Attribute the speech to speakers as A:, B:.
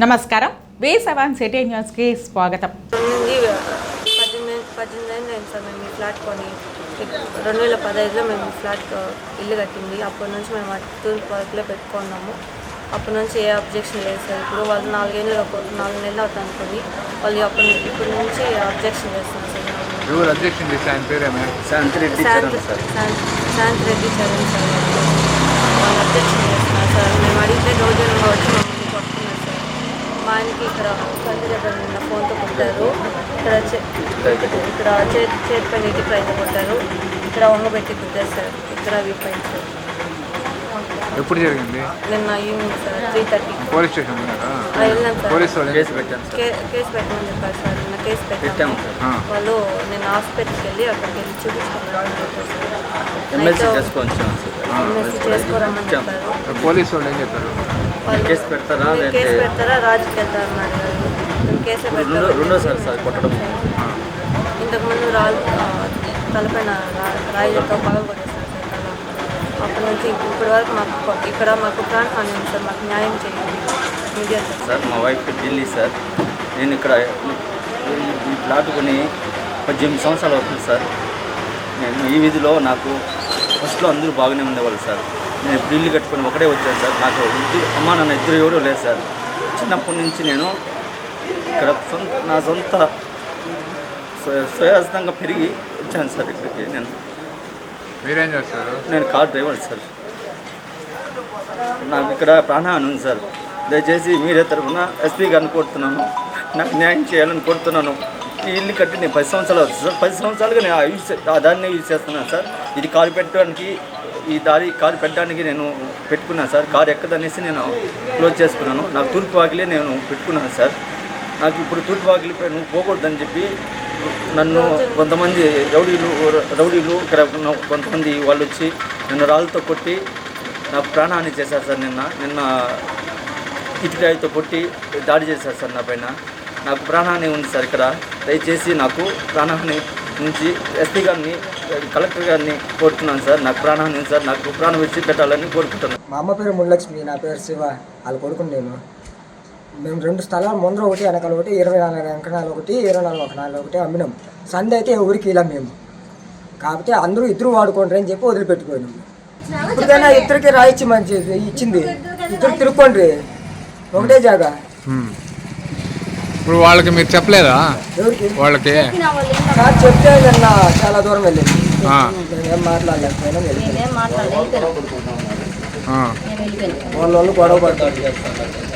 A: నమస్కారం V7 city న్యూస్కి స్వాగతం.
B: 18 అయింది సార్ మేము ఈ ఫ్లాట్ కొని 2015లో మేము ఈ ఫ్లాట్ ఇల్లు కట్టింది. అప్పటి నుంచి మేము తూర్పు వర్క్లో పెట్టుకున్నాము. అప్పటి నుంచి ఏ అబ్జెక్షన్ లేదు సార్. ఇప్పుడు వాళ్ళు 4 నెలలు అవుతుంది అనుకుని వాళ్ళు ఇప్పటి నుంచి అబ్జెక్షన్ చేస్తున్నారు సార్. శాంతి రెడ్డి చరణ్ సార్ వాళ్ళు అబ్జెక్షన్ చేస్తున్నారు సార్. మేము అడిగితే రోజులుగా వచ్చి మమ్మల్ని కొడుతున్నారు సార్. మా ఆయనకి ఇక్కడ కంటి దగ్గర నిన్న ఫోన్తో కొట్టారు, ఇక్కడ చేతి పైన ఇంటి పైన కొట్టారు, ఇక్కడ వంగబెట్టి కుట్టారు సార్. ఇక్కడ వీపైంది సార్.
C: ఎప్పుడు జరిగింది?
B: నిన్న ఈవినింగ్ సార్ 3:30.
C: పోలీస్ స్టేషన్
B: వెళ్ళాం సార్.
C: కేసు పెట్టాను
B: కేసు పెట్టమని చెప్పారు సార్. నిన్న కేసు పెట్టాము. వాళ్ళు నిన్న హాస్పిటల్కి వెళ్ళి అక్కడికి వెళ్ళి చూపించుకున్నారని చెప్పారు సార్. ఎమ్మెల్సీ చేసుకోరమ్మని చెప్పారు.
C: పోలీసు వాళ్ళు ఏం చెప్పారు?
D: కేసు
B: పెడతారా రాజుకి వెళ్తారు అన్నాడు. కేసు
D: రెండోసారి కొట్టడం.
B: ఇంతకుముందు తలపైన రాయిలతో పగలు కొట్టేస్తారు సార్ తల. అప్పటి నుంచి ఇప్పటి వరకు మాకు ప్రాణహాని ఉంది సార్. మాకు న్యాయం చేయండి మీడియా
D: సార్. మా వైఫ్ ఢిల్లీ సార్. నేను ఇక్కడ ఈ ప్లాట్ కొని 18 సంవత్సరాలు అవుతుంది సార్. నేను ఈ వీధిలో నాకు ఫస్ట్లో అందరూ బాగానే ఉండేవాళ్ళు సార్. నేను ఇప్పుడు ఇల్లు కట్టుకొని ఒకటే వచ్చాను సార్. నాకు అమ్మా నాన్న ఇద్దరు ఎవరూ లేదు సార్. చిన్నప్పటి నుంచి నేను ఇక్కడ నా సొంత స్వయాస్తంగా పెరిగి వచ్చాను సార్ ఇక్కడికి.
C: మీరేం చేస్తారు?
D: నేను కార్ డ్రైవర్ సార్. నాకు ఇక్కడ ప్రాణహాని ఉంది సార్. దయచేసి మీరే తరఫున ఎస్పీ గారిని కోరుతున్నాను, నాకు న్యాయం చేయాలని కోరుతున్నాను. ఈ ఇల్లు కట్టి నేను 10 సంవత్సరాలు అవుతుంది సార్. 10 సంవత్సరాలుగా నేను దాన్నే యూజ్ చేస్తున్నాను సార్. ఇది కారు పెట్టడానికి కారు పెట్టడానికి నేను పెట్టుకున్నాను సార్. కారు ఎక్కదనేసి నేను క్లోజ్ చేసుకున్నాను. నాకు తూర్పు వాకిలే నేను పెట్టుకున్నాను సార్. నాకు ఇప్పుడు తూర్పు వాకిలిపై నువ్వు పోకూడదని చెప్పి నన్ను కొంతమంది రౌడీలు ఇక్కడ కొంతమంది వాళ్ళు వచ్చి నన్ను రాళ్ళతో కొట్టి నాకు ప్రాణహాని చేశారు సార్. నిన్న ఇటుకాయతో కొట్టి దాడి చేశారు సార్ నా పైన. నాకు ప్రాణహాని ఉంది సార్ ఇక్కడ. దయచేసి నాకు ప్రాణహాని నుంచి ఎస్పీ గారిని కలెక్టర్ గారిని కోరుతున్నాను సార్. నాకు ప్రాణహాని ఉంది సార్. నాకు ప్రాణం ఇచ్చి పెట్టాలని కోరుకుంటున్నాను.
E: మా అమ్మ పేరు ముల్లక్ష్మి, నా పేరు శివ. వాళ్ళు కొడుకుని మేము 2 స్థలాలు ముందర ఒకటి వెనకాల ఒకటి 24 ఎకరాలు ఒకటి 24 ఎకరాలు ఒకటి అమ్మినాం. సందే అయితే ఎవరికి ఇలా మేము కాకపోతే అందరూ ఇద్దరు వాడుకోండి అని చెప్పి వదిలిపెట్టుకోండి. ఇప్పటికైనా ఇద్దరికి రాయిచ్చి మంచి ఇచ్చింది. ఇద్దరు తిరుక్కోండి ఒకటే జాగా.
C: ఇప్పుడు వాళ్ళకి మీరు చెప్పలేదా?
E: ఎవరికి?
C: వాళ్ళకి
E: సార్ చెప్తే నిన్న చాలా దూరం వెళ్ళింది. మేమేం మాట్లాడలేకపోయినా వెళ్ళిపోయింది. వాళ్ళు గొడవ పడతారు.